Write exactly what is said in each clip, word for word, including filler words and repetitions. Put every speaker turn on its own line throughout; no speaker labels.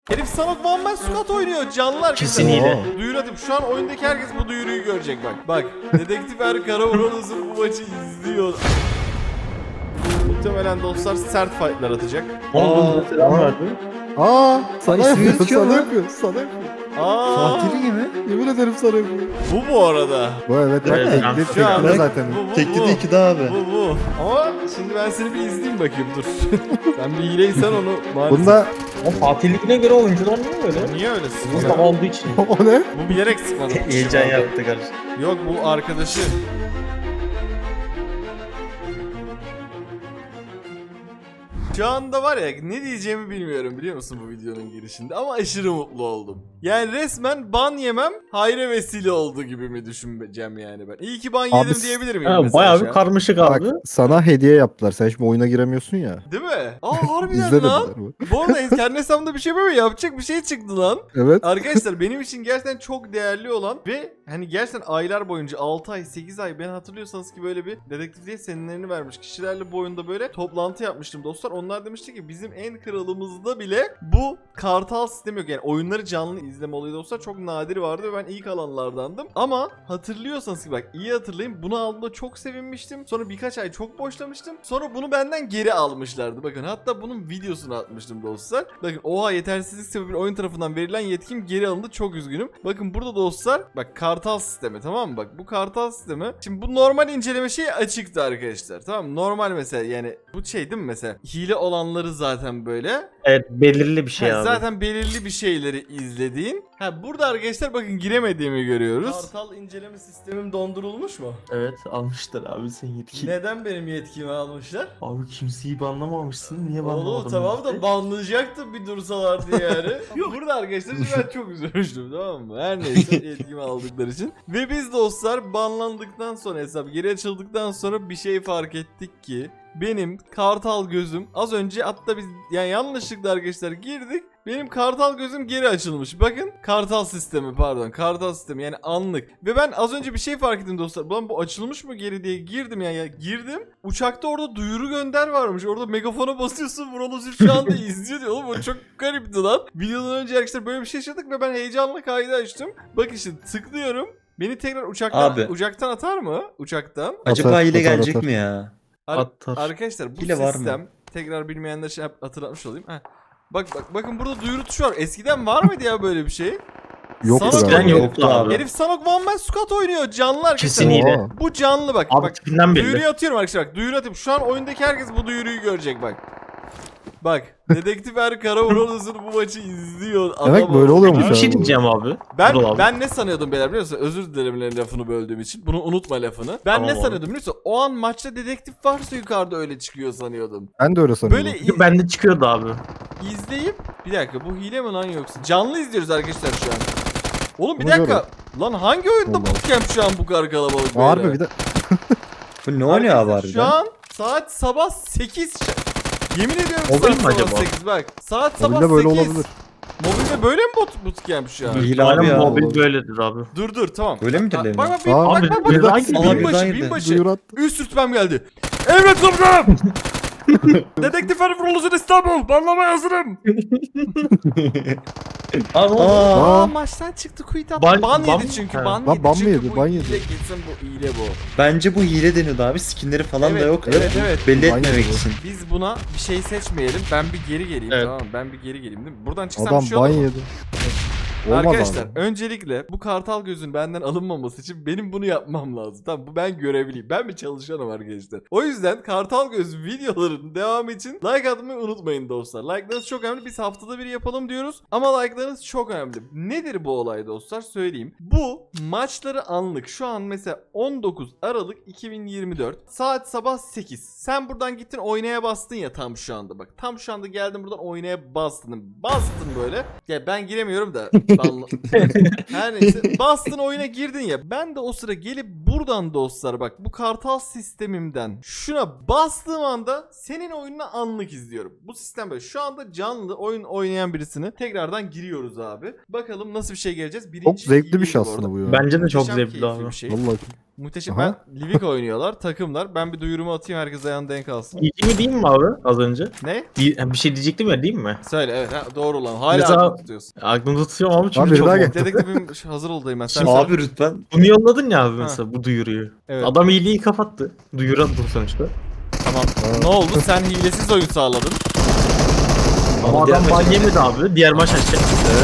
Herif Sanok One Man Squad oynuyor canlılar.
Kesinlikle.
Duyuru atıp şu an oyundaki herkes bu duyuruyu görecek bak. Bak Dedektif Er Karavuranızın bu maçı izliyor. Muhtemelen dostlar sert fightlar atacak.
Aa, selam verdi.
Aa, sana
ismi
yapıyor,
gözüküyor
sana
mu?
yapıyor, sana yapıyor.
Aa,
Fatih'in gibi.
Yemin ederim sana yapıyor.
bu bu arada.
Bu evet bak
Evet,
tekli,
şu an-
tekli zaten.
Bu bu
Tekli
bu.
de iki daha abi.
Bu bu. Ama şimdi ben seni bir izleyeyim bakayım dur. Sen bir hileysen onu maalesef.
Bunda
O Fatih'likine göre oyuncular niye öyle?
Niye öylesin?
Mustafa olduğu için.
o ne?
Bu bilerek sıkmadı.
Heyecan yaptı kardeşim.
Yok bu arkadaşı. Şu anda var ya ne diyeceğimi bilmiyorum biliyor musun bu videonun girişinde ama aşırı mutlu oldum. Yani resmen ban yemem hayra vesile oldu gibi mi düşüneceğim yani ben. İyi ki ban
Abi,
yedim diyebilir miyim
Ha,
mesela
bayağı
şu
bir
an?
karmaşık
Bak
abi.
sana hediye yaptılar. Sen şimdi oyuna giremiyorsun ya.
Değil mi? Aa harbiden
İzle
lan.
dediler bu.
Bu arada kendi hesabımda bir şey böyle yapacak bir şey çıktı lan.
Evet.
Arkadaşlar benim için gerçekten çok değerli olan ve hani gerçekten aylar boyunca altı ay sekiz ay ben hatırlıyorsanız ki böyle bir dedektifliğe seminerini vermiş kişilerle bu oyunda böyle toplantı yapmıştım dostlar. Onlar demişti ki bizim en kralımızda bile bu kartal sistemi yok. Yani oyunları canlı izleme olayı dostlar çok nadir vardı ve ben ilk alanlardandım. Ama hatırlıyorsanız ki bak iyi hatırlayın bunu aldığımda çok sevinmiştim. Sonra birkaç ay çok boşlamıştım. Sonra bunu benden geri almışlardı. Bakın hatta bunun videosunu atmıştım dostlar. Bakın oha yetersizlik sebebiyle oyun tarafından verilen yetkim geri alındı. Çok üzgünüm. Bakın burada dostlar bak kartal sistemi tamam mı? Bak bu kartal sistemi. Şimdi bu normal inceleme şeyi açıktı arkadaşlar. Tamam mı? Normal mesela yani bu şey değil mi mesela? Hile olanları zaten böyle.
Evet, belirli bir şey
Ha,
abi.
zaten belirli bir şeyleri izlediğin. Ha burada arkadaşlar bakın giremediğimi görüyoruz. Kartal inceleme sistemim dondurulmuş mu?
Evet almışlar abi sen yetki.
Neden benim yetkimi almışlar?
Abi kimseyi banlamamışsın. Niye
Oğlum
banlamadın?
tamam da banlayacaktım bir dursalardı yani. Burada arkadaşlar ben çok üzülmüştüm tamam mı? Her neyse yetkimi aldıkları için. Ve biz dostlar banlandıktan sonra hesap geri açıldıktan sonra bir şey fark ettik ki benim kartal gözüm az önce hatta biz yani yanlışlıkla arkadaşlar girdik. Benim kartal gözüm geri açılmış. Bakın kartal sistemi pardon kartal sistemi yani anlık. Ve ben az önce bir şey fark ettim dostlar. Ulan bu açılmış mı geri diye girdim ya, ya girdim. Uçakta orada duyuru gönder varmış. Orada megafona basıyorsun. Vuralozif şu anda izliyor diyor. Oğlum o çok garipti lan. Videodan önce arkadaşlar böyle bir şey yaşadık ve ben heyecanla kaydı açtım. Bak işte tıklıyorum. Beni tekrar uçaktan
Abi.
uçaktan atar mı? Uçaktan.
Acaba
Atar,
hile
atar,
gelecek
atar.
mi ya?
Ar-
Atar.
Arkadaşlar bu
Hile var mı?
sistem tekrar bilmeyenler şey yap- hatırlatmış olayım. Heh. Bak bak bakın burada duyuru tuşu var. Eskiden var mıydı ya böyle bir şey?
Yoktu
Sanok
galiba.
oynuyor.
yoktu abi.
Herif Sanok One Man Squad oynuyor canlı arkadaşlar.
Kesinlikle.
Oha.
Bu canlı bak.
Abi
bak
tipinden belli.
duyuruyu atıyorum arkadaşlar bak. Duyuru atıyorum. Şu an oyundaki herkes bu duyuruyu görecek bak. Bak Dedektif Er Karavuranızın bu maçı izliyor.
Demek
Adam
böyle
o-
oluyormuş
Bir şey
abi.
diyeceğim abi.
Ben
Dur abi.
ben ne sanıyordum beyler biliyor musun? Özür dilerim lafını böldüğüm için. Bunu unutma lafını. Ben
Tamam
ne
abi.
sanıyordum biliyor musun? O an maçta dedektif varsa yukarıda öyle çıkıyor sanıyordum.
Ben de öyle sanıyorum.
Böyle
Çünkü bende çıkıyordu abi.
İzleyip bir dakika bu hile mi lan yoksa? Canlı izliyoruz arkadaşlar şu an. Oğlum bir
Onu
dakika.
görüyorum.
Lan hangi oyunda
Vallahi.
bootcamp şu an bu kadar kalabalık böyle?
Harbi bir de
Bu ne oynuyor abi
Arkadaşlar, Şu
harbiden?
an saat sabah sekiz. Yemin ediyorum
Mobil
saat
mi
sabah
acaba?
sekiz bak. Saat sabah
mobilde böyle
sekiz.
olabilir.
Mobilde böyle mi bot bootcamp şu an?
Hile abi
Aynen
ya.
mobil böyledir abi.
Dur dur tamam.
Öyle midir
Bak
Levin?
bak bak,
Aa,
bak
abi,
bak bak.
birden
bak.
girdi.
Binbaşı
Birden
binbaşı.
duyuru attı.
Üst rütbem geldi. Evet komutanım. Dedektif Arif Roluzun İstanbul. Banlamaya hazırım.
Aa, ne oldu?
Aa,
Aa.
maçtan çıktı quit attı.
Ban-
Ban,
ban-
yedi çünkü
Ha.
ban
Lan
yedi
ban mı
çünkü
yedi,
bu
ban
hile
yedi.
gitsin bu hile bu.
Bence bu hile deniyordu abi. Skinleri falan
Evet,
da yok.
evet, evet.
Belli
Ban
etmemek
yedi bu.
için.
Biz buna bir şey seçmeyelim. Ben bir geri geleyim
Evet.
tamam mı? Ben bir geri geleyim değil mi? Buradan çıksam
adam
bir şey olur
ban
mu?
yedi. Olmaz
Arkadaşlar
abi.
öncelikle bu kartal gözün benden alınmaması için benim bunu yapmam lazım. Tamam bu ben görevliyim. Ben bir çalışanım arkadaşlar. O yüzden kartal göz videoların devamı için like atmayı unutmayın dostlar. Like'larınız çok önemli. Biz haftada bir yapalım diyoruz. Ama like'larınız çok önemli. Nedir bu olay dostlar? Söyleyeyim. Bu maçları anlık. Şu an mesela on dokuz Aralık iki bin yirmi dört. Saat sabah sekiz. Sen buradan gittin oynaya bastın ya tam şu anda. Bak tam şu anda geldin buradan oynaya bastın. Bastın böyle. Ya ben giremiyorum da. Banla... Her neyse. Bastın oyuna girdin ya. Ben de o sıra gelip buradan dostlar bak bu kartal sistemimden şuna bastığım anda senin oyununu anlık izliyorum. Bu sistem böyle. Şu anda canlı oyun oynayan birisini tekrardan giriyoruz abi. Bakalım nasıl bir şey geleceğiz. Birinci
Çok zevkli bir
iyiydi
şey
bu
aslında
arada.
bu ya.
Bence de çok
Muhteşem
zevkli
keyifli
abi.
bir şey.
Vallahi.
Muhteşem.
Aha.
Ben Livik oynuyorlar. Takımlar. Ben bir duyurumu atayım. Herkes ayağını denk alsın.
İyi mi değil mi abi az önce?
Ne?
İyi- Bir şey diyecektim ya değil mi?
Söyle evet. Ha, doğru lan. Hala
Mesela-
aklını tutuyorsun.
Aklımda tutuyorum abi çünkü
Abi,
çok
daha gel.
mantıklı.
Dedektifim hazır oldayım ben. Sen
Şimdi
söyle.
abi lütfen.
Bunu yolladın ya abi mesela bu duyuruyu.
Evet.
Adam iyiliği kapattı. Duyuru attı sonuçta.
Tamam. Ne oldu? Sen hilesiz oyun sağladın.
Ama
diğer
adam ban
maça-
yemedi abi. Diğer maç açacak.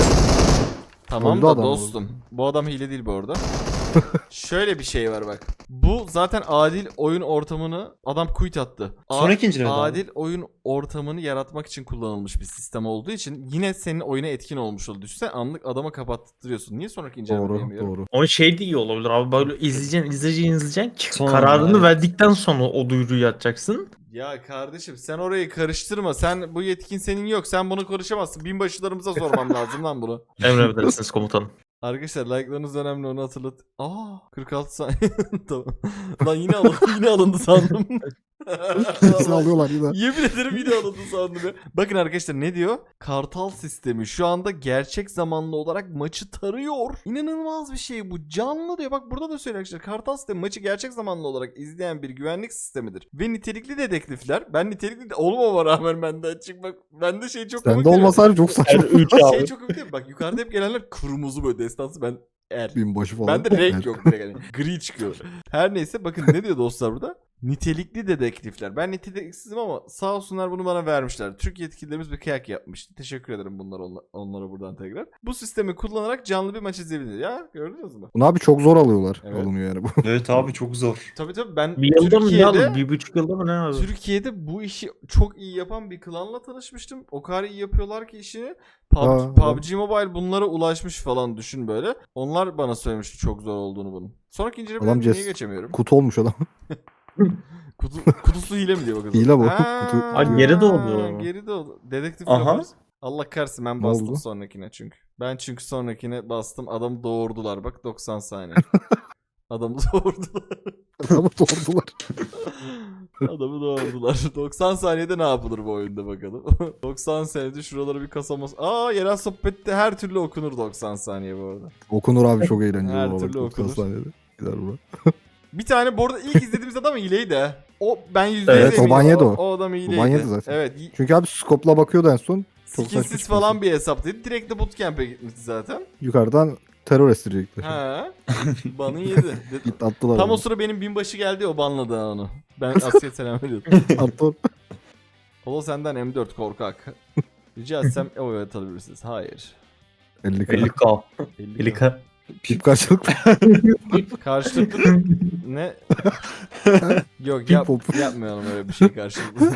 Tamam
Öldü
da
adam
dostum. Bu adam hile değil bu arada. Şöyle bir şey var bak. Bu zaten adil oyun ortamını adam quit attı. A-
Sonraki inceleme abi.
Adil oyun ortamını yaratmak için kullanılmış bir sistem olduğu için yine senin oyuna etkin olmuş oldu. Düşünsene anlık adama kapattırıyorsun. Niye sonraki inceleme
Doğru
diyemiyorum?
doğru.
Onun şey de iyi olabilir abi böyle izleyeceksin izleyeceksin izleyeceksin ki
Sonra,
kararını
evet.
verdikten sonra o duyuruyu atacaksın.
Ya kardeşim sen orayı karıştırma. Sen bu yetkin senin yok. Sen bunu konuşamazsın. Binbaşılarımıza sormam lazım lan bunu.
Emredersiniz komutanım.
Arkadaşlar like'larınız önemli onu hatırlat. Aa kırk altı saniye. Tamam. Lan yine alındı, yine alındı sandım.
Hepsini alıyorlar yine.
Yemin ederim yine alındı sandım ya. Bakın arkadaşlar ne diyor? Kartal sistemi şu anda gerçek zamanlı olarak maçı tarıyor. İnanılmaz bir şey bu. Canlı diyor. Bak burada da söylüyor arkadaşlar. Kartal sistemi maçı gerçek zamanlı olarak izleyen bir güvenlik sistemidir. Ve nitelikli dedektifler. Ben nitelikli de olmama rağmen bende açık bak. Bende şey çok
Sende
değil mi?
olmasaydı çok saçma.
üç
Şey
abi.
çok komik değil mi? Bak yukarıda hep gelenler kırmızı böyle destansı ben er.
Binbaşı falan.
Bende renk
Evet.
yok direkt hani. Gri çıkıyor. Her neyse bakın ne diyor dostlar burada? Nitelikli dedektifler. Ben niteliksizim ama sağ olsunlar bunu bana vermişler. Türk yetkililerimiz bir kıyak yapmıştı. Teşekkür ederim bunlar onla- onlara buradan tekrar. Bu sistemi kullanarak canlı bir maç izleyebilir. Ya gördünüz mü?
Bunu abi çok zor alıyorlar.
Evet.
Alınıyor yani bu.
Evet abi çok zor.
Tabii tabii ben
Bir yılda mı ne
Türkiye'de,
abi? Bir buçuk yılda mı ne abi?
Türkiye'de bu işi çok iyi yapan bir klanla tanışmıştım. O kadar iyi yapıyorlar ki işini. Pub-
Aa,
P U
adam-
B G Mobile bunlara ulaşmış falan düşün böyle. Onlar bana söylemişti çok zor olduğunu bunun. Sonraki incelemeye
Adam
niye
ces-
geçemiyorum?
Kutu olmuş adam.
Kutu, kutusu hile mi diyor bakalım.
Hile bu.
Ha,
Kutu-
Aa, geri doğdu.
Geri doğdu. Dedektif
Aha.
yaparız. Allah kahretsin ben
Ne
bastım
oldu?
sonrakine çünkü. Ben çünkü sonrakine bastım. Adamı doğurdular bak doksan saniye. Adamı doğurdular.
Adamı doğurdular.
Adamı doğurdular. doksan saniyede ne yapılır bu oyunda bakalım. doksan saniyede şuralara bir kasamaz. Aa yerel sohbette her türlü okunur doksan saniye bu arada.
Okunur abi çok eğlenceli.
Her
olarak
türlü
doksan
okunur.
saniyede. Gider bu.
Bir tane bu arada ilk izlediğimiz adam hileydi ha. O ben yüzde
Evet,
yüz
o
eminim.
Banyede o.
O adam hileydi.
Banyede zaten.
Evet. y-
Çünkü abi skopla bakıyordu en son. Çok saçma
Skinsiz
çıkıyorsun.
falan bir hesaptaydı. Direkt de bootcamp'e gitmişti zaten.
Yukarıdan terör estirecekler.
Ha. Banı yedi. De-
Git attılar.
Tam o
onu.
sıra benim binbaşı geldi o banladı ha onu. Ben askere selam veriyordum.
Attı.
Polo senden M dört korkak. Rica etsem o evet alabilirsiniz. Hayır.
elli
elli
kere.
K.
elli
elli K.
Pip karşılıklı.
Karşılıklı ne? Yok yap,
Pop.
yapmayalım öyle bir şey karşılıklı.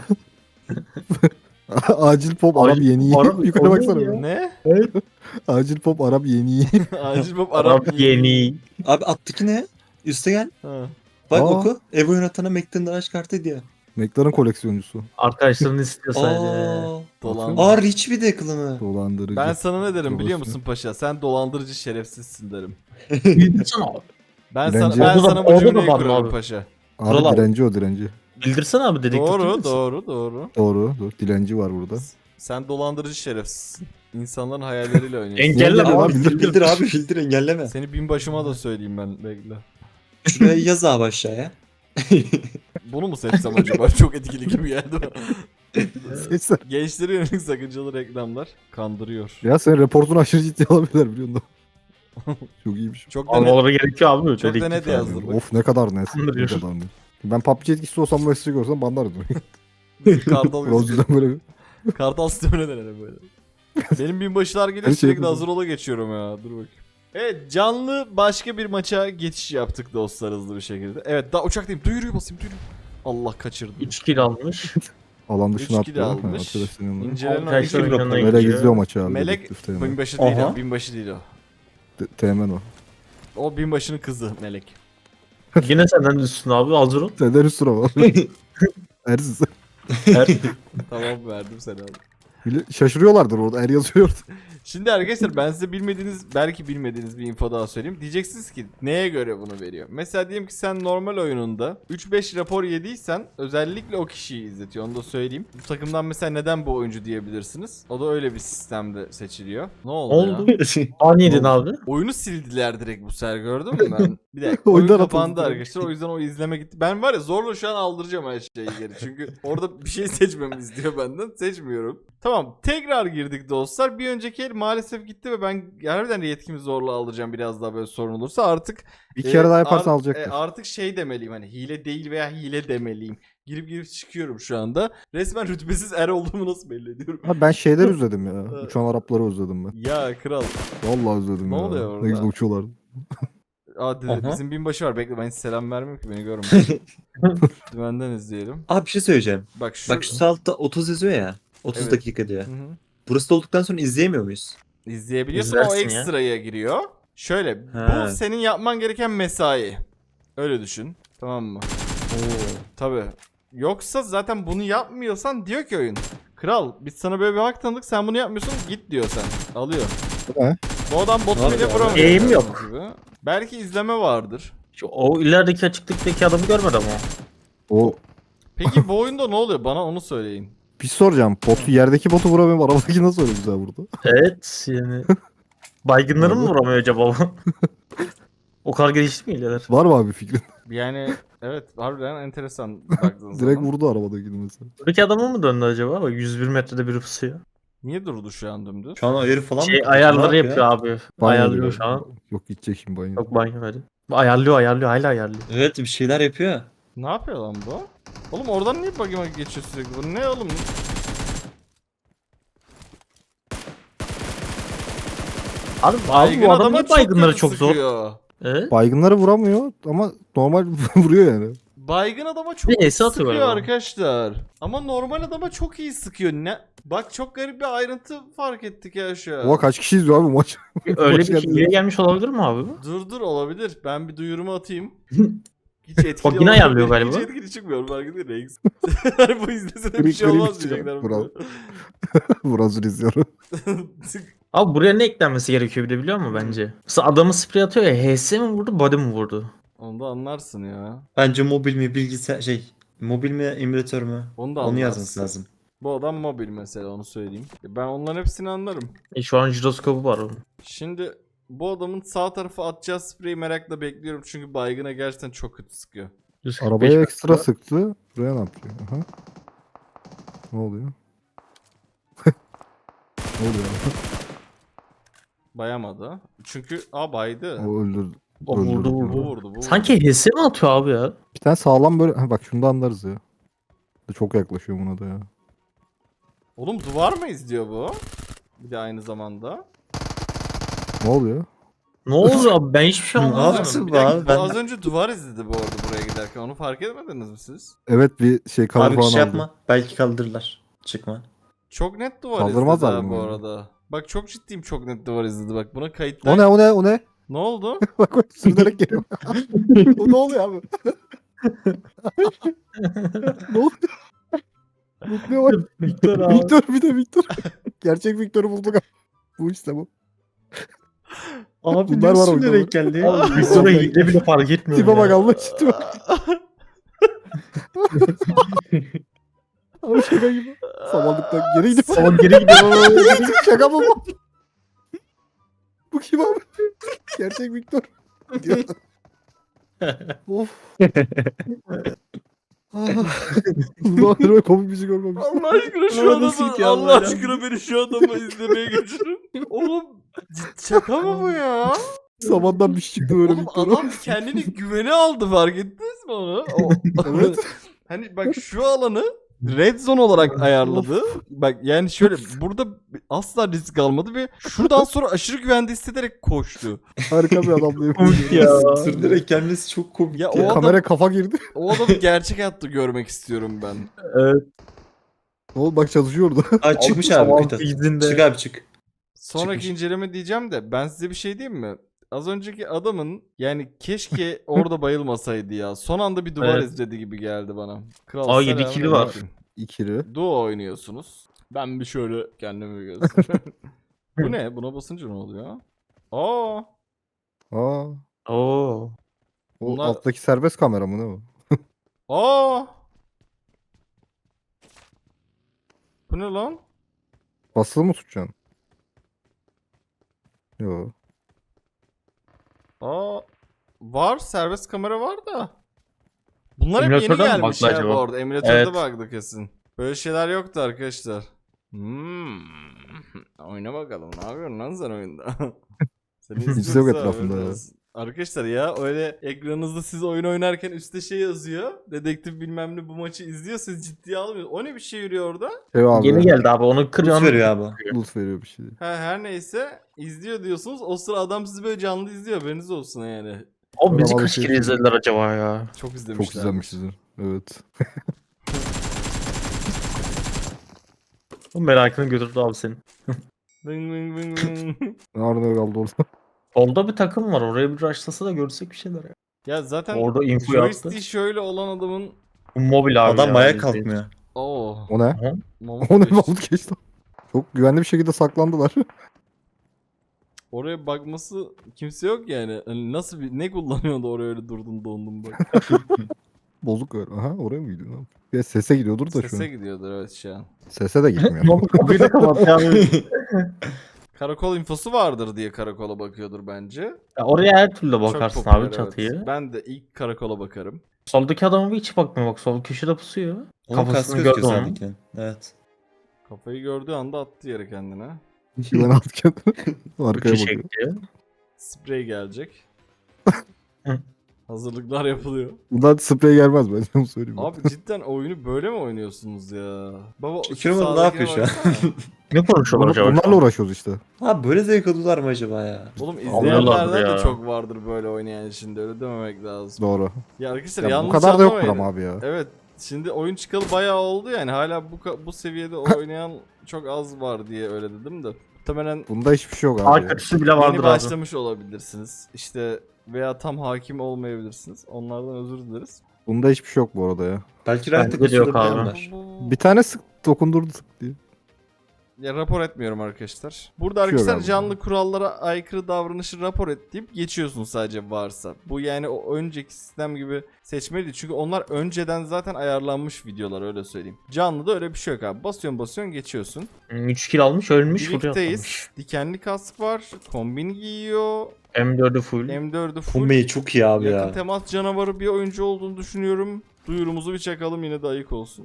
Acil pop Arap
Acil
yeni iyi.
pop Arap-
Yukarı
o
baksana.
ne ya?
bir.
Ne?
Acil pop Arap yeni iyi.
Acil Bob Arap,
Arap yeni.
Abi alttaki ne? Üste gel.
Ha.
Bak
Aa.
oku. Ev oynatana McLaren araç kartı diye.
McLaren koleksiyoncusu.
Arkadaşlarını istiyor sadece.
Aa.
Dolan.
Aa Rich bir de kılımı.
Dolandırıcı.
Ben sana ne derim biliyor
Dolaşıyor.
musun paşa? Sen dolandırıcı şerefsizsin derim.
Bildirsene abi.
Ben
Dilenci.
sana ben
Orada da-
sana bu
orada da
cümleyi
var mı
kurarım
abi?
paşa.
Abi
Kral abi.
dilenci o dilenci.
Bildirsene abi dedektif değil
Doğru,
misin?
doğru, doğru.
Doğru. Doğru. Dilenci var burada.
Sen dolandırıcı şerefsizsin. İnsanların hayalleriyle oynuyorsun.
Engelle
Engelle
abi.
abi.
Bildir, bildir abi bildir engelleme.
Seni binbaşıma da söyleyeyim ben bekle.
Şuraya yaz abi aşağıya.
Bunu mu seçsem acaba? Çok etkili gibi geldi bana.
Seçsen.
Gençlere yönelik sakıncalı reklamlar kandırıyor.
Ya senin reportunu aşırı ciddi alabilirler biliyor musun? Çok iyiymiş.
Çok da net,
Almaları gerekiyor abi.
çok da
dedektif
net
abi.
yazdım. Bak.
Of ne kadar net. Ne
Kandırıyor.
kadar net. Ben P U B G etkisi olsam bu mesajı görsem banlardım.
Kartal gözüküyor.
Rozcu'dan böyle bir...
Kartal sistemine denerim böyle. Benim binbaşılar geliyor
Her şey
sürekli
yapıyorsun.
hazır ola geçiyorum ya. Dur bakayım. Evet canlı başka bir maça geçiş yaptık dostlar hızlı bir şekilde. Evet daha uçaktayım. Duyuruyu basayım duyuruyu. Allah kaçırdım.
üç kill almış.
Alan
üç
dışına
kill
atlıyor. Ha,
almış.
arkadaşların yanına.
İncelen
Arkadaşlar
oyuncu.
yanına
Melek
gidiyor.
izliyor maçı abi.
Melek
dedektif Teğmen.
binbaşı değil
Aha.
o. Binbaşı değil o.
Te- Teğmen o.
O binbaşının kızı Melek.
Yine senden üstün abi hazır ol.
Senden üstüne var. Ersiz.
Her-
Tamam verdim seni abi.
Bile- Şaşırıyorlardır orada. Er yazıyor.
Şimdi arkadaşlar ben size bilmediğiniz belki bilmediğiniz bir info daha söyleyeyim. Diyeceksiniz ki neye göre bunu veriyor? Mesela diyelim ki sen normal oyununda üç beş rapor yediysen özellikle o kişiyi izletiyor. Onu da söyleyeyim. Bu takımdan mesela neden bu oyuncu diyebilirsiniz. O da öyle bir sistemde seçiliyor. Ne oldu,
Oldu.
ya?
Ani yedin abi.
Oyunu sildiler direkt bu sefer gördün mü ben? Bir dakika. Oyun
Oyundan
kapandı
atıldı.
arkadaşlar. O yüzden o izleme gitti. Ben var ya zorla şu an aldıracağım her şeyi geri. Çünkü orada bir şey seçmemi istiyor benden. Seçmiyorum. Tamam. Tekrar girdik dostlar. Bir önceki el maalesef gitti ve ben harbiden yetkimi zorla aldıracağım biraz daha böyle sorun olursa. Artık
Bir
e,
kere daha yaparsan
art-
alacaktır.
e, artık şey demeliyim hani hile değil veya hile demeliyim. Girip girip çıkıyorum şu anda. Resmen rütbesiz er olduğumu nasıl belli ediyorum?
Abi ben şeyler özledim ya.
Evet.
Uçan Arapları özledim ben.
Ya kral.
Vallahi özledim
Ne
ya.
oluyor orada?
Ne güzel uçuyorlardı.
Aa dedi,
Aha.
bizim binbaşı var. Bekle ben hiç selam vermiyorum ki beni görme. Dümenden izleyelim.
Abi bir şey söyleyeceğim.
Bak şu.
Bak şu sağ altta otuz yazıyor ya. otuz
Evet.
dakika diyor.
Hı hı.
Burası da olduktan sonra izleyemiyor muyuz?
İzleyebiliyorsun ama o
İzlersin ya.
ekstraya giriyor. Şöyle bu
He.
senin yapman gereken mesai. Öyle düşün. Tamam mı? Tabii. Yoksa zaten bunu yapmıyorsan diyor ki oyun. Kral biz sana böyle bir hak tanıdık sen bunu yapmıyorsun git diyor sen. Alıyor.
He?
Bu adam botu
Var
bile
ya.
vuramıyor.
Eğim
gördüğünüz
yok.
gibi. Belki izleme vardır.
Şu, o ilerideki açıklıktaki adamı görmedi ama.
O
Peki bu oyunda ne oluyor? Bana onu söyleyin.
bir şey soracağım. Botu, yerdeki botu vuramıyorum. Arabadaki nasıl öyle güzel vurdu?
Evet yani. Baygınları mı
Abi.
vuramıyor acaba bu? O kadar gelişti mi iler?
Var mı abi fikrin?
Yani evet harbiden enteresan baktığın
Direkt
zaman.
vurdu arabadakini mesela.
Buradaki adamı mı döndü acaba? Bak yüz bir metrede biri pusuyor.
Niye durdu şu an dümdüz?
Şu an ayarı falan
Şey
mı?
ayarları
Ne
yapıyor abi.
Banyo
Ayarlıyor
diyor.
şu an.
Yok gidecek şimdi banyo.
Yok banyo hadi. Ayarlıyor ayarlıyor hala ayarlıyor.
Evet bir şeyler yapıyor.
Ne yapıyor lan bu? Oğlum oradan niye bug'ıma geçiyor sürekli? Bu ne oğlum?
Abi, abi
Baygın
bu adam
adama
niye baygınları
kötü
çok zor?
sıkıyor.
Evet.
Baygınları vuramıyor ama normal vuruyor yani.
Baygın adama çok
Bir
iyi
Ace atıyor
sıkıyor
galiba.
arkadaşlar. Ama normal adama çok iyi sıkıyor. Ne? Bak çok garip bir ayrıntı fark ettik ya şu an.
Oha kaç kişi izliyor abi bu maç?
Öyle
Hoş
bir
geldin.
hileye gelmiş olabilir mi abi bu?
Dur dur olabilir. Ben bir duyurumu atayım. Hiç etkili
Bak yine
olmadı.
ayarlıyor galiba.
Hiç etkili çıkmıyor fark değil Rex. Hani bu izlese de bir
Green-
şey
green
olmaz
çıkıyor.
diyecekler.
Bravo. Burası izliyorum.
Abi buraya ne eklenmesi gerekiyor bir de biliyor musun bence? Mesela adamı sprey atıyor ya H S mi vurdu body mi vurdu?
Onu da anlarsın ya.
Bence mobil mi bilgisayar şey mobil mi emülatör mü?
Onu da
Onu
anlarsın.
yazması lazım.
Bu adam mobil mesela onu söyleyeyim. Ben onların hepsini anlarım.
E şu an jiroskopu var onun.
Şimdi bu adamın sağ tarafa atacağı spreyi merakla bekliyorum çünkü baygına gerçekten çok kötü sıkıyor.
yüz kırk beş
Arabaya
metre.
ekstra sıktı. Buraya ne yapıyor? Aha. Ne oluyor? ne oluyor?
Bayamadı. Çünkü a baydı.
O öldürdü.
O vurdu
öldürdü.
Bu
vurdu.
vurdu bu.
Sanki H S mi atıyor abi ya?
Bir tane sağlam böyle... Ha, bak şunu da anlarız ya. Çok yaklaşıyor buna da ya.
Oğlum duvar mı izliyor bu? Bir de aynı zamanda.
Ne oluyor?
Ne oldu abi ben hiçbir şey
Ne
anlamadım.
yaptın?
Bir dakika,
Abi
bu
ben-
az önce duvar izledi bu arada buraya giderken. Onu fark etmediniz mi siz?
Evet bir şey cover
Abi bir
falan
şey
aldı.
yapma. Belki kaldırırlar. Çıkma.
Çok net duvar
Kaldırmazlar
izledi ha
bunu
bu
yani.
arada. Bak çok ciddiyim çok net duvar izledi. Bak buna kayıtlar.
O ne o ne o ne?
Ne oldu?
Bak bak sürünerek geliyor. o ne oluyor abi? ne oluyor? Mutluya bak.
Victor abi.
Victor bir de Victor. Gerçek Victor'u bulduk abi. Bu işte bu.
Abi
Bunlar var
ne
oyunda
denk geldi?
Abi Victor'a hile bile fark etmiyor.
Tipe
ya.
bak Allah için tipe bak. Abi şaka gibi. Samanlıktan geri gidiyor.
Salon geri gidiyor.
Şaka mı bu? Bu kim abi? Gerçek Victor. Diyor. of. Ulan böyle komik bir şey görmemiş.
Allah aşkına şu
Ama
adamı
nasıl gidiyor
Allah
Allah ya?
aşkına beni şu adamı izlemeye geçirin. Oğlum cid- şaka mı bu ya?
Samandan bir şey çıktı böyle
Oğlum
Victor'a.
adam kendini güvene aldı fark ettiniz mi onu? O,
Evet.
hani bak şu alanı red zone olarak ayarladı. Bak yani şöyle burada asla risk almadı ve şuradan sonra aşırı güvende hissederek koştu.
Harika bir adam diye.
Komik ya.
Sürünerek gelmesi çok komik
Ya
ya.
o adam-
Kamera kafa girdi.
O adamı gerçek hayatta görmek istiyorum ben.
Evet.
Ne oldu bak çalışıyordu.
Aa çıkmış
Sabah
abi Mithat.
sekizinde.
Çık abi çık.
Sonraki
Çıkmış.
inceleme diyeceğim de ben size bir şey diyeyim mi? Az önceki adamın yani keşke orada bayılmasaydı ya. Son anda bir duvar
Evet.
izledi gibi geldi bana. Kral
Aa, yedi
selamünaleyküm.
kili var.
İkili.
Duo oynuyorsunuz. Ben bir şöyle kendimi bir göstereyim. Bu ne? Buna basınca ne oluyor? Aa.
Aa.
Oo.
O
Bunlar-
alttaki serbest kamera mı ne o?
Aa. Bu ne lan?
Basılı mı tutacaksın? Yo.
Aa. Var. Serbest kamera var da. Bunlar hep yeni
Emülatörden mi
gelmiş
bug'lı
ya
acaba?
bu arada. Emülatörde
Evet.
bug'lı kesin. Böyle şeyler yoktu arkadaşlar. Hmm. Oyna bakalım. Ne yapıyorsun lan sen oyunda? Seni
Hiç yok
istiyorsa
etrafında
öyle
ya.
olsun. Arkadaşlar ya öyle ekranınızda siz oyun oynarken üstte şey yazıyor. Dedektif bilmem ne bu maçı izliyor. Siz ciddiye almıyorsunuz. O ne bir şey yürüyor orada?
Şey abi.
Yeni geldi abi onu
Boost
kırıyorsun.
veriyor abi.
Loot veriyor bir şey.
Ha, her neyse izliyor diyorsunuz. O sıra adam sizi böyle canlı izliyor. Haberiniz olsun yani.
O bizi
Aramalı
kaç
şey
kere
çıkıyor.
izlediler acaba ya?
Çok izlemişler.
Çok izlenmişizdir. Evet.
O merakını götürdü abi senin.
Vın vın vın vın.
Nerede kaldı orada?
Solda bir takım var. Oraya bir rushlasa da görsek bir şeyler ya.
Ya zaten
Orada info yaptı.
joystick şöyle olan adamın
Bu mobil abi
Adam
ya,
maya
biz
kalkmıyor.
Oo.
O ne?
Aha.
Mamut
O ne
geçti.
Mahmut geçti. Çok güvenli bir şekilde saklandılar.
Oraya bakması kimse yok yani. Hani nasıl bir ne kullanıyordu oraya öyle durdun dondun bak.
Bozuk ver. Aha oraya mı gidiyor lan? Ya sese gidiyordur da şu
Sese
an.
gidiyordur evet şu an.
Sese de gitmiyor.
Ne oldu? Kapıyı da kapat ya.
Karakol infosu vardır diye karakola bakıyordur bence.
Ya oraya her türlü
Çok
bakarsın
popüler,
abi
evet.
çatıyı.
Ben de ilk karakola bakarım.
Soldaki adama bir hiç bakmıyor bak. Sol köşede pusuyor.
Onun
Kafasını
kaskı
gördüm
gözüküyor
onun.
sağdakinin. Evet.
Kafayı gördüğü anda attı yere kendine.
Güven at kendini. Arkaya
Köşe
bakıyor.
gidiyor.
Sprey gelecek.
Hı.
Hazırlıklar yapılıyor.
Bundan sprey gelmez ben onu söyleyeyim.
Abi cidden oyunu böyle mi oynuyorsunuz ya? Baba şu
Şükür oğlum, ne
sağdakine
yapıyor şu an?
baksana.
Ne konuşuyorlar
Bunu,
acaba? şu
bunlarla
an?
uğraşıyoruz işte.
Ha böyle zevk alıyorlar mı acaba ya?
Oğlum
Alıyorlardır
izleyenlerden de
ya.
çok vardır böyle oynayan şimdi öyle dememek lazım.
Doğru.
Ya arkadaşlar
Ya bu
yanlış
kadar da yoktur
anlamayın.
ama abi ya.
Evet şimdi oyun çıkalı bayağı oldu yani hala bu ka- bu seviyede oynayan çok az var diye öyle dedim de. Muhtemelen
Bunda hiçbir şey yok abi.
Daha
ya.
kötüsü bile
yeni
vardır abi.
başlamış olabilirsiniz. İşte veya tam hakim olmayabilirsiniz. Onlardan özür dileriz.
Bunda hiçbir şey yok bu arada ya.
Belki
Bence
rahatlıkla
de yok
şurada
abi.
bilenler.
Bir tane sık dokundurdu sık diye.
Ya rapor etmiyorum arkadaşlar. Burada
Bir şey yok
arkadaşlar
abi.
canlı kurallara aykırı davranışı rapor et deyip geçiyorsun sadece varsa. Bu yani o önceki sistem gibi seçmeli değil. Çünkü onlar önceden zaten ayarlanmış videolar öyle söyleyeyim. Canlıda öyle bir şey yok abi. Basıyorsun basıyorsun geçiyorsun.
üç kill almış ölmüş buraya
Birlikteyiz.
atlamış.
Dikenli kask var. Kombin giyiyor.
M dördü full.
M dördü full.
Kombeyi çok iyi abi
Yakın
ya.
temas canavarı bir oyuncu olduğunu düşünüyorum. Duyurumuzu bir çakalım yine de ayık olsun.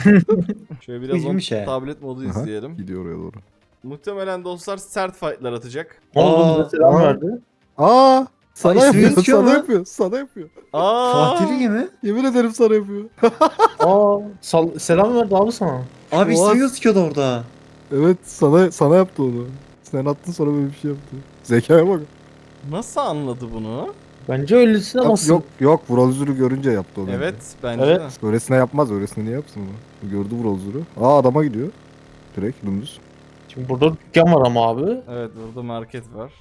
Şöyle biraz
İyiymiş
on
he.
tablet modu
Aha.
izleyelim.
Gidiyor oraya doğru.
Muhtemelen dostlar sert fightlar atacak.
Ne oldu?
Aa,
Bize selam
aa.
verdi.
Aa! Sana
ismi
yapıyor,
gözüküyor
sana
mu?
yapıyor, sana yapıyor.
Aa!
Fatih Ligi mi?
Yemin ederim sana yapıyor.
Aa, sal- selam verdi abi sana.
Abi
Oha.
ismi gözüküyordu orada.
Evet, sana sana yaptı onu. Sen attın sonra böyle bir şey yaptı. Zekaya bak.
Nasıl anladı bunu?
Bence öylesine
Yok
nasıl?
yok, yok Vrolzur'u görünce yaptı onu.
Evet bence
Evet.
de.
Öylesine yapmaz, öylesine niye yapsın onu? Gördü Vrolzur'u. Aa adama gidiyor. Direkt dümdüz.
Şimdi burada dükkan var ama abi.
Evet burada market var.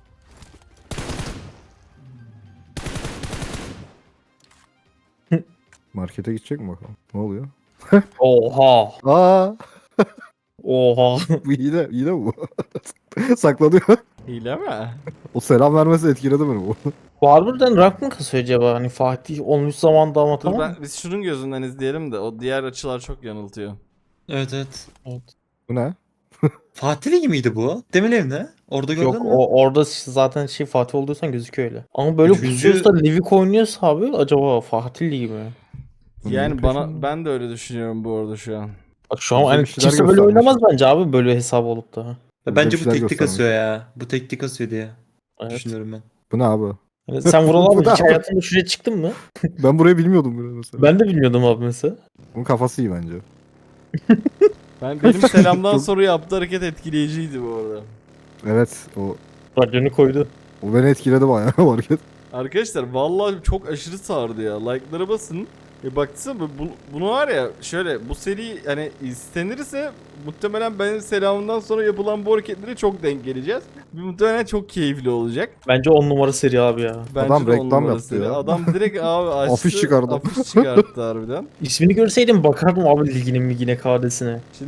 Markete gidecek mi bakalım? Ne oluyor?
Oha.
Aa!
Oha.
Bu hile, hile mi bu? Saklanıyor.
Hile mi?
O selam vermesi etkiledi beni bu.
Bu harbiden rank mı kasıyor acaba? Hani Fatih olmuş zamanda ama
Dur
tamam.
ben, biz şunun gözünden izleyelim de o diğer açılar çok yanıltıyor.
Evet evet.
Bu ne?
Fatih Ligi miydi bu? Demin evde. Orada gördün
Yok
mü?
o orada zaten şey Fatih olduysan gözüküyor öyle. Ama böyle
Üçüncü-
pusuyorsa Livik oynuyorsa abi acaba Fatih Ligi mi?
Yani
Bunun
bana
peşinde.
ben de öyle düşünüyorum bu arada şu an.
Bak şu an
Bize
hani
bir şeyler
kimse böyle
göstermiş.
oynamaz bence abi böyle hesap olup da.
Ya
Bize
Bence
bir
bu
şeyler
teknik
göstermiş.
asıyor ya. Bu teknik asıyor diye
Evet.
düşünüyorum ben.
Bu ne abi?
Yani sen Vural
Bu
abi
da-
hiç hayatında şuraya çıktın mı?
Ben burayı bilmiyordum bile mesela.
Ben de bilmiyordum abi mesela.
Bunun kafası iyi bence.
Ben benim selamdan
Çok-
sonra yaptığı hareket etkileyiciydi bu arada.
Evet, o
Radyonu koydu.
o beni etkiledi bayağı o hareket.
Arkadaşlar vallahi çok aşırı sardı ya. Like'lara basın. E baksana bu, bunu var ya şöyle bu seri hani istenirse muhtemelen benim selamımdan sonra yapılan bu hareketlere çok denk geleceğiz. Muhtemelen çok keyifli olacak.
Bence on numara seri abi ya.
Bence
Adam
de on
reklam
numara
yaptı
seri.
ya.
Adam direkt abi açtı.
Afiş çıkardı.
Afiş çıkarttı harbiden.
İsmini görseydim bakardım abi liginin migine kadesine.
Şimdi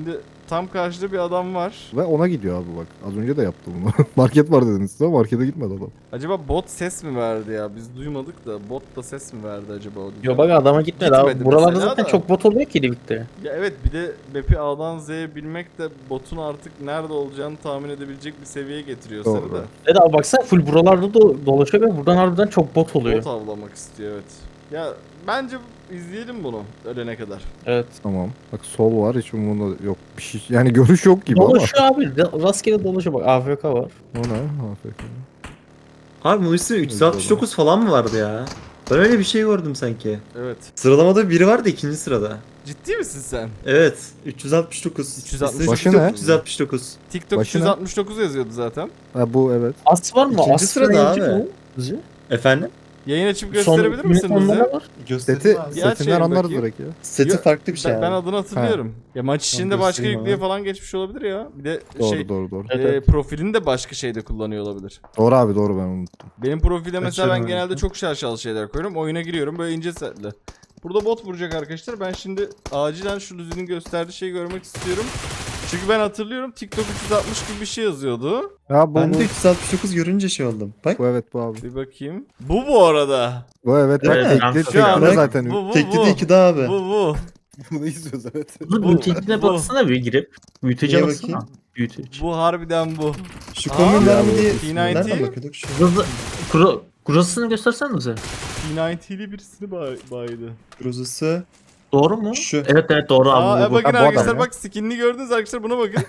Tam karşıda bir adam var.
Ve ona gidiyor abi bak. Az önce de yaptı bunu. Market var dediniz size ama markete gitmedi adam.
Acaba bot ses mi verdi ya? Biz duymadık da bot da ses mi verdi acaba? o
Yo bak adama gitmedi,
Gitmedi
abi. Buralarda
mesela
zaten
da.
çok bot oluyor ki Livik'te.
Ya evet, bir de map'i A'dan Z'ye bilmek de botun artık nerede olacağını tahmin edebilecek bir seviyeye getiriyor seni
Doğru.
de.
Evet abi baksana full buralarda do- dolaşıyor ve buradan harbiden çok bot oluyor.
Bot avlamak istiyor, evet. Ya bence izleyelim bunu ölene kadar.
Evet.
Tamam. Bak sol var hiç umurunda yok. Bir şey, yani görüş yok gibi
Dolaşıyor abi. ra- Rastgele dolaşıyor bak. A F K var.
ama. O ne? A F K.
Abi bu üstüne üç yüz altmış dokuz falan mı vardı ya? Ben öyle bir şey gördüm sanki.
Evet.
Sıralamada biri vardı ikinci sırada.
Ciddi misin sen?
Evet. üç yüz altmış dokuz.
üç yüz altmış
Üstüne
Başı
TikTok
ne?
üç yüz altmış dokuz.
TikTok
Başına-
üç yüz altmış dokuz yazıyordu zaten.
Ha bu evet.
As var mı?
İkinci
As
sırada
yayıncı
abi.
mı? Bizi?
Efendim?
Yayın açıp
Son
gösterebilir misin
yönetmenler
bize?
var.
Göstereyim
Seti,
abi.
Bir aç
setinden
yayın
anlarız
bakayım.
direkt ya.
Seti
Yo-
farklı bir şey
Ben, ben
abi.
adını hatırlıyorum. Ya maç içinde
Tamam,
başka
göstereyim
yüklüğe
abi.
falan geçmiş olabilir ya. Bir de
Doğru
şey
doğru doğru.
Evet,
e,
evet.
profilini de başka şeyde kullanıyor olabilir.
Doğru abi doğru ben unuttum.
Benim profilde mesela ben
Açıyorum
genelde
abi.
çok şaşalı şeyler koyuyorum. Oyuna giriyorum böyle ince setli. Burada bot vuracak arkadaşlar. Ben şimdi acilen şu Luzi'nin gösterdiği şeyi görmek istiyorum. Çünkü ben hatırlıyorum TikTok üç yüz altmış gibi bir şey yazıyordu.
Ya bu,
Ben
bu,
de üç yüz altmış dokuz görünce şey oldum. Bak.
bu evet bu abi.
Bir bakayım. Bu bu arada.
Bu evet bak
Evet,
tekli
kanka.
tekli
Şu an-
de zaten.
Bu bu
Tekli
bu.
de iki daha abi.
Bu bu.
Bunu izliyoruz evet.
Dur
Bu-
büyütecine
bu-
baksana bir girip. Büyütece
Niye
baksana.
bakayım?
Büyüteç.
Bu harbiden bu.
Şu
Aa,
komünler mi
ya bu
diye.
P doksan.
Nereden bakıyorduk? Şu.
Burası, kura, kurasını göstersene bize.
P doksan'li birisini bay baydı.
Grozası.
Doğru mu?
Şu.
Evet evet doğru
Aa,
abi.
e
Bu, bu.
bakın
Ha, bu adam
arkadaşlar
ya.
bak skinini gördünüz arkadaşlar buna bakın.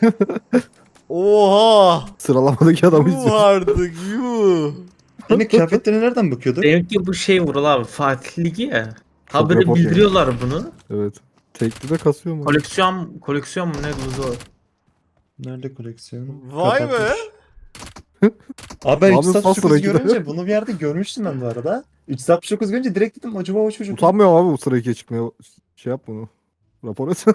Oha!
Sıralamadaki adamı
Yuh
izliyoruz.
artık yuh.
Yine kıyafetlerine nereden bakıyorduk?
Demek ki bu şey Vural abi. Fatih Ligi ya.
Çok
Haberi
report
bildiriyorlar bunu.
Evet. Tekli de kasıyor mu?
Koleksiyon koleksiyon mu ne bu?
Nerede koleksiyon?
Vay be.
Kapatmış. Abi ben
Abi
üç yüz altmış
pas
dokuz
sıra
görünce bunu bir yerde görmüştüm ben bu arada. üç yüz altmış dokuz görünce direkt dedim acaba o çocuk.
Utanmıyorum abi bu sıra ikiye çıkmaya. Şey yap bunu. Rapor et.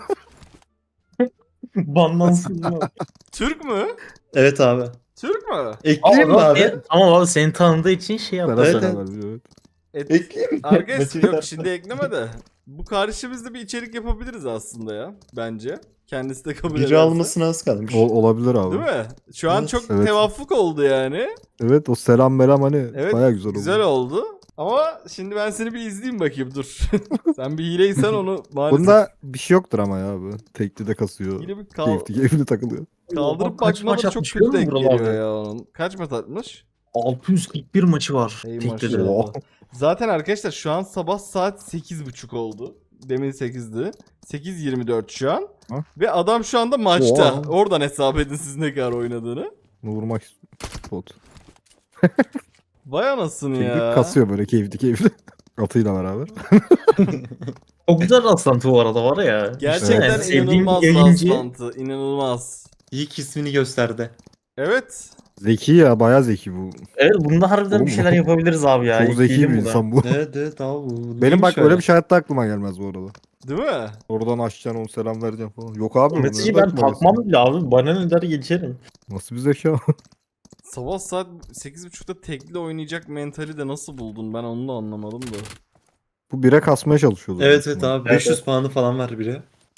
Banlansın mı?
Türk mü?
Evet abi.
Türk mü?
Ekleyeyim mi abi?
Tamam abi seni tanıdığı için şey yaptı.
Beraber
Evet,
beraber
evet.
biliyor, evet.
Et,
Ekleyeyim mi?
Arkadaşlar
Maçı
yok
ver.
şimdi ekleme de. Bu karşımızda bir içerik yapabiliriz aslında ya. Bence. Kendisi de kabul
Biri
ederse.
almasına az kalmış.
Ol- olabilir abi.
Değil mi? Şu an
Evet,
çok
evet.
tevaffuk oldu yani.
Evet o selam melam hani
Evet.
baya güzel oldu.
Güzel oldu. Ama şimdi ben seni bir izleyeyim bakayım dur. Sen bir hileysen onu maalesef.
Bunda bir şey yoktur ama ya abi. Tekli de kasıyor.
Yine bir kal-
Keyifli keyifli takılıyor.
kaldırıp
Kaç maç
bakmaları çok
atmış
kötü
biliyor
denk
musun Vural
geliyor
abi?
ya onun. Kaç maç atmış?
altı yüz kırk bir maçı var.
Ey
Tekli de.
maşallah. Zaten arkadaşlar şu an sabah saat sekiz buçuk oldu. Demin sekizdi. sekiz yirmi dört şu an.
Ha?
Ve adam şu anda maçta.
Oha.
Oradan hesap edin siz ne kadar oynadığını.
Bunu vurmak bot.
Vay anasını
Tekli
ya.
kasıyor böyle keyifli keyifli. Atıyla beraber.
Çok güzel rastlantı bu arada var ya.
Gerçekten
Yani sevdiğim
inanılmaz
yayıncı.
rastlantı. İnanılmaz.
İlk ismini gösterdi.
Evet.
Zeki ya baya zeki bu.
Evet bunda harbiden
Oğlum
bir
bu-
şeyler yapabiliriz abi ya.
Çok zeki
Ekleyelim
bir
buna.
insan bu.
Evet evet abi. bu
Benim
neymiş
bak
öyle?
öyle bir şey hayatta aklıma gelmez bu arada.
Değil mi?
Oradan açacaksın onu selam vereceksin falan. Yok abi.
O
bu
mesajı
nereden
ben
aklıma
takmam
gelsin?
bile abi. Bana ne der geçerim.
Nasıl bir zeka?
Sabah saat sekiz buçukta tekli oynayacak mentali de nasıl buldun? Ben onu da anlamadım da.
Bu bire kasmaya çalışıyordu.
Evet evet abi.
Evet,
beş yüz
evet.
puanı falan var biri.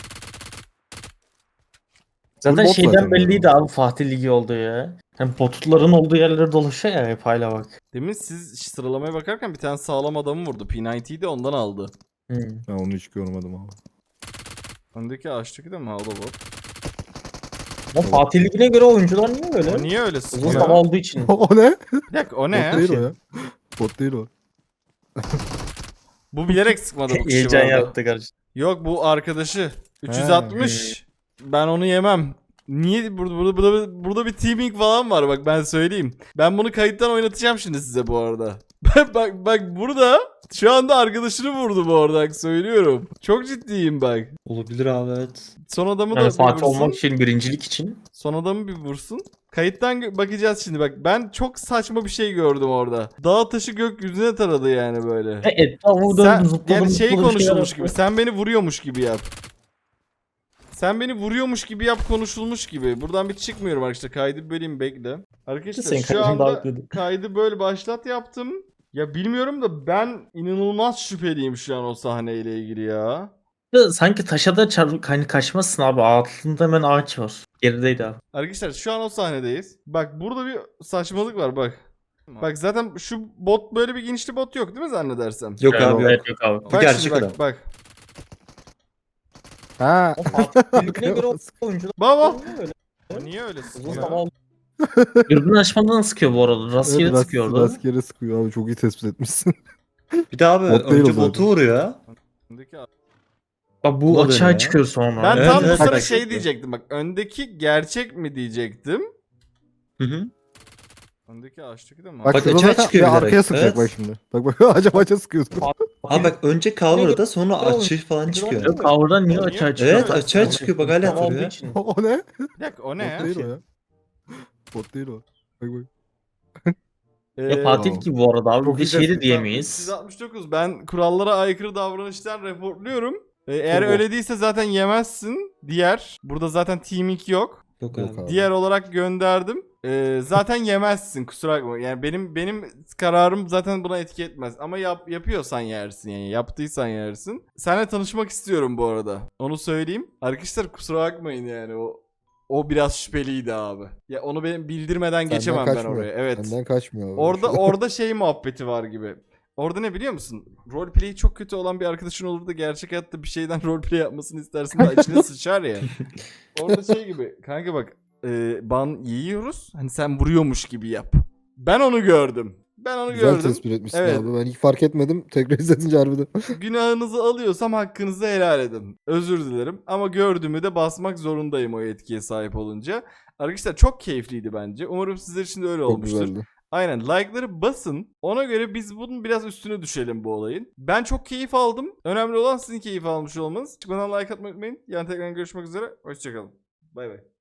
Zaten
bot
şeyden
zaten
belliydi
ya.
abi Fatih Ligi oldu ya. Hani botutların olduğu yerlere dolaşıyor ya hep hala bak.
Demin siz sıralamaya bakarken bir tane sağlam adamı vurdu. P doksan'yi de ondan aldı.
Hmm.
Ben onu hiç görmedim abi.
Öndeki ağaçtaki de mi? Ha, o da bot.
Ama Fatih Ligi'ne göre oyuncular niye öyle?
O niye öyle
Uzun
sıkıyor?
zaman olduğu için.
O ne?
Bir dakika o
Bot
ne?
değil o ya. Bot değil o.
Bu bilerek sıkmadı bu kişi
Heyecan
bu arada.
yaptı kardeşim.
Yok bu arkadaşı. üç yüz altmış. Ben onu yemem. Niye burada, burada burada burada bir teaming falan var bak ben söyleyeyim. Ben bunu kayıttan oynatacağım şimdi size bu arada. Bak bak, bak burada şu anda arkadaşını vurdu bu arada bak söylüyorum. Çok ciddiyim bak.
Olabilir abi evet.
Son adamı da
Yani
bir
Fatih
vursun.
olmak için birincilik için.
Son adamı bir vursun. Kayıttan gö- bakacağız şimdi bak. Ben çok saçma bir şey gördüm orada. Dağ taşı gökyüzüne taradı yani böyle.
E, etrafı
Sen,
döndü zıpladı
yani şey
zıpladı bir şeyler
konuşulmuş
yaptı.
gibi. Sen beni vuruyormuş gibi yap. Sen beni vuruyormuş gibi yap konuşulmuş gibi. Buradan bir çıkmıyorum arkadaşlar. Kaydı bir böleyim bekle. Arkadaşlar
Senin
şu
kaydını
anda
davetledim.
kaydı böyle başlat yaptım. Ya bilmiyorum da ben inanılmaz şüpheliyim şu an o sahneyle ilgili ya.
Ya sanki taşa da çar hani kaçmazsın abi. Altında hemen ağaç var. Gerideydi abi.
Arkadaşlar şu an o sahnedeyiz. Bak burada bir saçmalık var bak. Bak zaten şu bot böyle bir genişli bot yok değil mi zannedersem?
Yok
Evet,
abi yok.
evet, yok abi.
Bu
Bak
gerçek
şimdi bak
adam.
bak.
Ha.
Birbirine göre oyuncular
Baba.
öyle.
Niye öyle
Uzun
sıkıyor?
zaman
Dürbün açmadan sıkıyor bu arada. Rastgele
Evet,
sıkıyor
rast,
orada.
rastgele sıkıyor abi, çok iyi tespit etmişsin.
Bir de abi
Bot değil
önce
o zaten.
botu vuruyor.
Öndeki-
Bak bu
Kullanıyor
açığa
ya.
çıkıyor sonra.
Ben
Evet,
tam bu
evet,
sana
bak
şey
şimdi.
diyecektim bak. Öndeki gerçek mi diyecektim.
Hı hı.
Öndeki ağaçtaki de mi?
Bak,
Bak,
şurada
açığa
zaten
çıkıyor
bir
bilerek.
arkaya sıkacak
Evet.
bak şimdi. Bak bak acaba açığa sıkıyor.
Abi bak önce cover'da sonra açı falan çıkıyor.
Yok kavradan niye
Niye?
açığa çıkıyor?
Evet açığa çıkıyor bak hala
tam olduğu
hatırlıyor.
için.
O ne?
Bir dakika o ne
Bot
ya?
değil o ya. Bot değil o. Bak bak.
Ya Fatih
Wow.
gibi bu arada abi.
Çok
Bir de
iyi
şey de
tespit.
diyemeyiz.
üç yüz altmış dokuz ben kurallara aykırı davranıştan reportluyorum. Ee, eğer
Çok
öyle değilse zaten yemezsin. Diğer. Burada zaten teaming yok.
Yok
Yok
abi.
abi.
Diğer olarak gönderdim. Ee, zaten yemezsin kusura bakma. Yani benim benim kararım zaten buna etki etmez. Ama yap, yapıyorsan yersin yani. Yaptıysan yersin. Seninle tanışmak istiyorum bu arada. Onu söyleyeyim. Arkadaşlar kusura bakmayın yani o o biraz şüpheliydi abi. Ya onu benim bildirmeden
Senden
geçemem ben
kaçmıyor.
oraya. Evet.
Senden kaçmıyor abi.
Orada orada şey muhabbeti var gibi. Orada ne biliyor musun? Roleplay çok kötü olan bir arkadaşın olur da gerçek hayatta bir şeyden roleplay yapmasını istersin de içine sıçar ya. Orada şey gibi. Kanka bak e, ban yiyoruz. Hani sen vuruyormuş gibi yap. Ben onu gördüm. Ben onu
Güzel
gördüm.
tespit etmişsin
Evet.
abi. Ben hiç fark etmedim. Tekrar izletince harbiden.
Günahınızı alıyorsam hakkınızı helal edin. Özür dilerim. Ama gördüğümü de basmak zorundayım o yetkiye sahip olunca. Arkadaşlar çok keyifliydi bence. Umarım sizler için de öyle
Çok
olmuştur.
güzeldi.
Aynen like'ları basın. Ona göre biz bunun biraz üstüne düşelim bu olayın. Ben çok keyif aldım. Önemli olan sizin keyif almış olmanız. Çıkmadan like atmayı unutmayın. Yarın tekrar görüşmek üzere. Hoşçakalın. Bay bay.